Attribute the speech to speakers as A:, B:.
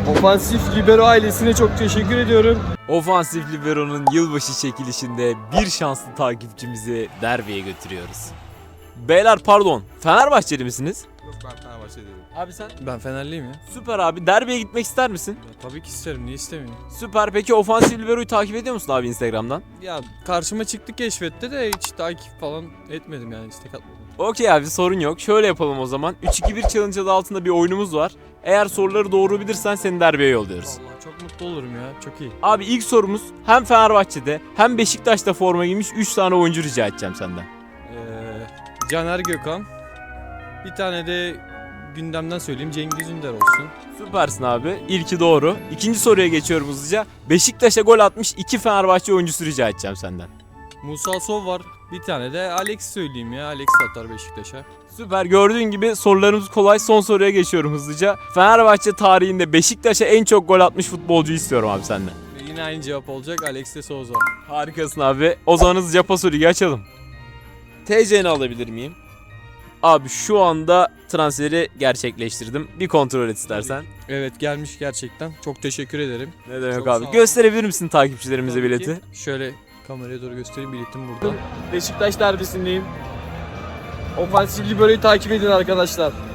A: Ofansif Libero ailesine çok teşekkür ediyorum.
B: Ofansif Libero'nun yılbaşı çekilişinde bir şanslı takipçimizi derbiye götürüyoruz. Beyler pardon, Fenerbahçeli misiniz?
C: Yok, ben Fenerbahçeliyim.
B: Abi sen?
D: Ben Fenerliyim ya.
B: Süper abi, derbiye gitmek ister misin?
D: Ya tabii ki isterim, niye istemeyeyim?
B: Süper, peki Ofansif Libero'yu takip ediyor musun abi Instagram'dan?
D: Ya karşıma çıktı keşfette de hiç takip falan etmedim yani, istek atmadım.
B: Okey abi, sorun yok. Şöyle yapalım o zaman. 3-2-1 challenge adı altında bir oyunumuz var. Eğer soruları doğru bilirsen seni derbiye yolluyoruz.
D: Vallahi çok mutlu olurum ya, çok iyi.
B: Abi ilk sorumuz hem Fenerbahçe'de hem Beşiktaş'ta forma giymiş 3 tane oyuncu rica edeceğim senden.
D: Caner Gökhan. Bir tane de gündemden söyleyeyim, Cengiz Ünder olsun.
B: Süpersin abi. İlki doğru. İkinci soruya geçiyorum hızlıca. Beşiktaş'a gol atmış 2 Fenerbahçe oyuncusu rica edeceğim senden.
D: Musa Sov var. Bir tane de Alex söyleyeyim ya, Alex atar Beşiktaş'a.
B: Süper. Gördüğün gibi sorularımız kolay. Son soruya geçiyorum hızlıca. Fenerbahçe tarihinde Beşiktaş'a en çok gol atmış futbolcu istiyorum abi senden.
D: Ve yine aynı cevap olacak, Alex de Souza.
B: Harikasın abi. O zaman hızlıca pas ligi açalım. TC'ni alabilir miyim? Abi şu anda transferi gerçekleştirdim. Bir kontrol et istersen.
D: Evet, gelmiş gerçekten. Çok teşekkür ederim.
B: Ne demek
D: Çok
B: abi?
D: sağ ol.
B: Gösterebilir misin takipçilerimize
D: Tabii
B: bileti?
D: ki. Şöyle kameraya doğru göstereyim, biletim burada.
A: Beşiktaş derbisindeyim. Ofansif Libero'yu takip edin arkadaşlar.